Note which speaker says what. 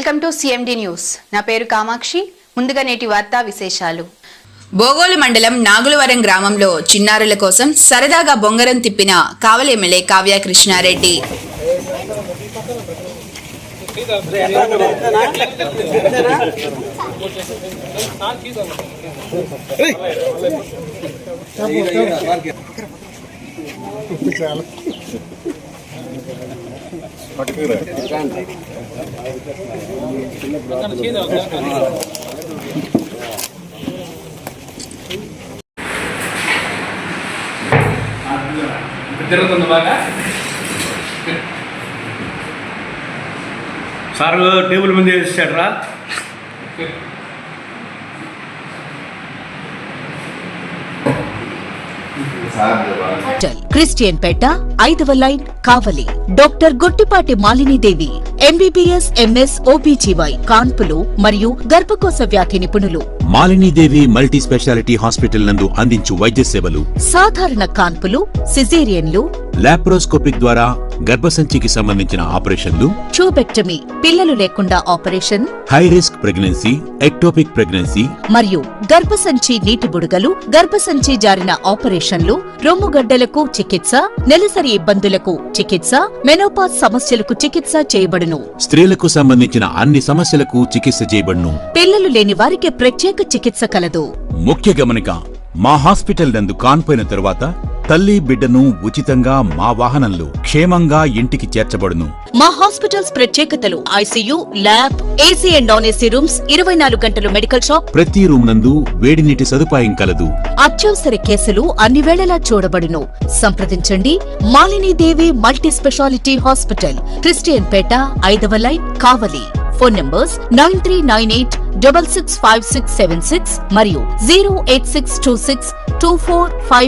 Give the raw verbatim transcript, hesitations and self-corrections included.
Speaker 1: Welcome to CMD news. నా పేరు కామాక్షి. ముందుగా నేటి వార్తా విశేషాలు.
Speaker 2: బోగోలు మండలం నాగులవరం గ్రామంలో చిన్నారుల కోసం సరదాగా బొంగరం తిప్పిన కావలి ఎమ్మెల్యే కావ్య కృష్ణారెడ్డి.
Speaker 3: తిరుగుతుంది బాగా సార్ టేబుల్ మీద వేసాడు రా.
Speaker 4: క్రిస్టియన్ పేట ఐదవ line Kavali. Doctor Gottipati Malinidevi MBBS MS OBGY కాన్పులు మరియు గర్భకోశ వ్యాధి నిపుణులు.
Speaker 5: మాలినీదేవి మల్టీ స్పెషాలిటీ హాస్పిటల్ నందు అందించు వైద్య సేవలు
Speaker 4: సాధారణ కాన్పులు, సిజేరియన్లు,
Speaker 5: లాప్రోస్కోపిక్ ద్వారా గర్భసంచికి సంబంధించిన ఆపరేషన్లు,
Speaker 4: ట్యూబెక్టమీ పిల్లలు లేకుండా operation,
Speaker 5: high risk pregnancy, ectopic pregnancy
Speaker 4: మరియు గర్భసంచి నీటి బుడగలు, గర్భసంచి జారిన ఆపరేషన్లు, రొమ్ముగడ్డలకు చికిత్స, నెలసరి ఇబ్బందులకు చికిత్స, మెనోపాజ్ సమస్యలకు చికిత్స చేయబడును.
Speaker 5: స్త్రీలకు సంబంధించిన అన్ని సమస్యలకు చికిత్స చేయబడును.
Speaker 4: పిల్లలు లేని వారికి ప్రత్యేక చికిత్స కలదు.
Speaker 5: ముఖ్య గమనిక, మా హాస్పిటల్ నందు కాన్పోయిన తరువాత తల్లి బిడ్డను ఉచితంగా మా వాహనంలో క్షేమంగా ఇంటికి చేర్చబడును.
Speaker 4: మా హాస్పిటల్స్ ప్రత్యేకతలు: ICU, lab, AC and non AC rooms, ఇరవై నాలుగు గంటలు మెడికల్ షాప్,
Speaker 5: ప్రతి రూమ్ నందు వేడి నీటి సదుపాయం కలదు.
Speaker 4: అత్యవసర కేసులు అన్ని వేళలా చూడబడును. సంప్రదించండి Malinidevi multi specialty hospital, Christian Peta ఐదవ line Kavali. Phone numbers nine three nine eight double six five six seven six మరియు zero eight six two six two four five